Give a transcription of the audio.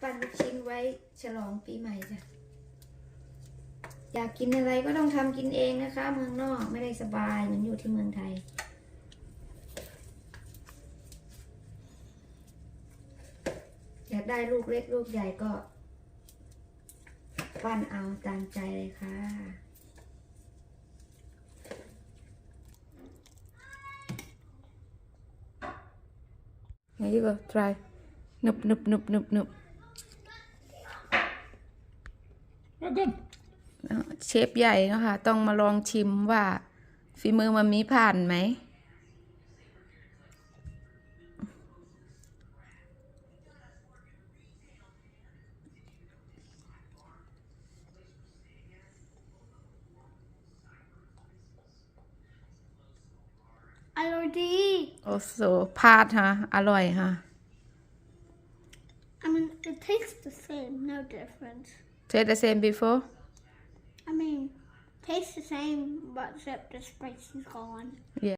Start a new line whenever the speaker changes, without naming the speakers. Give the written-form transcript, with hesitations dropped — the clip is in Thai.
ปั้นลูกชิ้นไว้ฉลองปีใหม่จ้ะอยากกินอะไรก็ต้องทำกินเองนะคะเมืองนอกไม่ได้สบายเหมือนอยู่ที่เมืองไทยอยากได้ลูกเล็กลูกใหญ่ก็ปั้นเอาตามใจเลยค่ะ Here you go try หนึบหนึบหนึบหนึบหนึบ
good
เชฟใหญ่นะคะต้องมาลองชิมว่าฝีมือมันมีผ่านไหม
อร่อยดี
โอ้โหพาดฮะอร่อยฮะ
I mean it tastes the same no difference
Taste the same before
I mean tastes the same but except the spice is gone
Yeah